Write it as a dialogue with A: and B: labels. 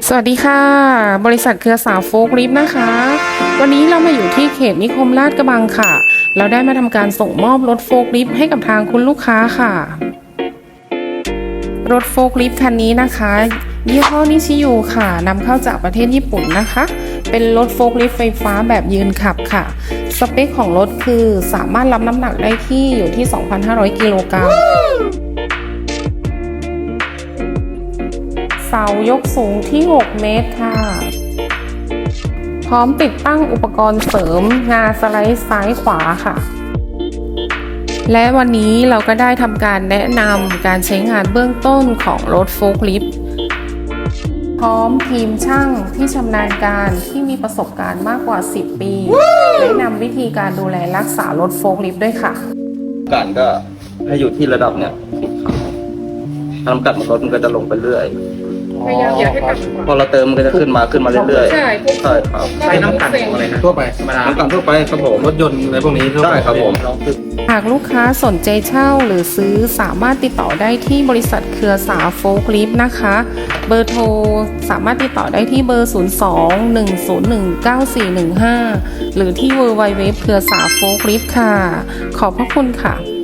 A: สวัสดีค่ะบริษัทเครือสาวโฟล์คลิฟต์นะคะวันนี้เรามาอยู่ที่เขตนิคมลาดกระบังค่ะเราได้มาทำการส่งมอบรถโฟล์คลิฟต์ให้กับทางคุณลูกค้าค่ะรถโฟล์คลิฟต์คันนี้นะคะยี่ห้อนิชิยูค่ะนำเข้าจากประเทศญี่ปุ่นนะคะเป็นรถโฟล์คลิฟต์ไฟฟ้าแบบยืนขับค่ะสเปคของรถคือสามารถรับน้ำหนักได้ที่อยู่ที่ 2,500 กิโลกรัมเสายกสูงที่ 6 เมตรค่ะพร้อมติดตั้งอุปกรณ์เสริมงาสไลด์ซ้ายขวาค่ะและวันนี้เราก็ได้ทำการแนะนำการใช้งานเบื้องต้นของรถโฟล์คลิฟต์พร้อมทีมช่างที่ชำนาญการที่มีประสบการณ์มากกว่า 10 ปีแนะนำวิธีการดูแลรักษารถโฟล์คลิฟต์ด้วยค่ะ
B: การก็ให้อยู่ที่ระดับเนี่ยทำกัดมันรถมันก็จะลงไปเรื่อย
A: พยายามอย่าให้ต่ำ
B: พอเราเติมมันก็จะขึ้นมาเรื่อยๆใช่ครับ
C: ใช้น้ำกันอะไรนะทั่วไปธรรมดา
B: น้ำกันทั่วไปครับผม
C: รถยนต์อะไรพวกนี้
B: ใช่ครับผม
A: หากลูกค้าสนใจเช่าหรือซื้อสามารถติดต่อได้ที่บริษัทเครือสาโฟล์คลิฟต์นะคะเบอร์โทรสามารถติดต่อได้ที่เบอร์ 02-101-9415 หรือที่ www เครือสาโฟล์คลิฟต์ค่ะขอบพระคุณค่ะ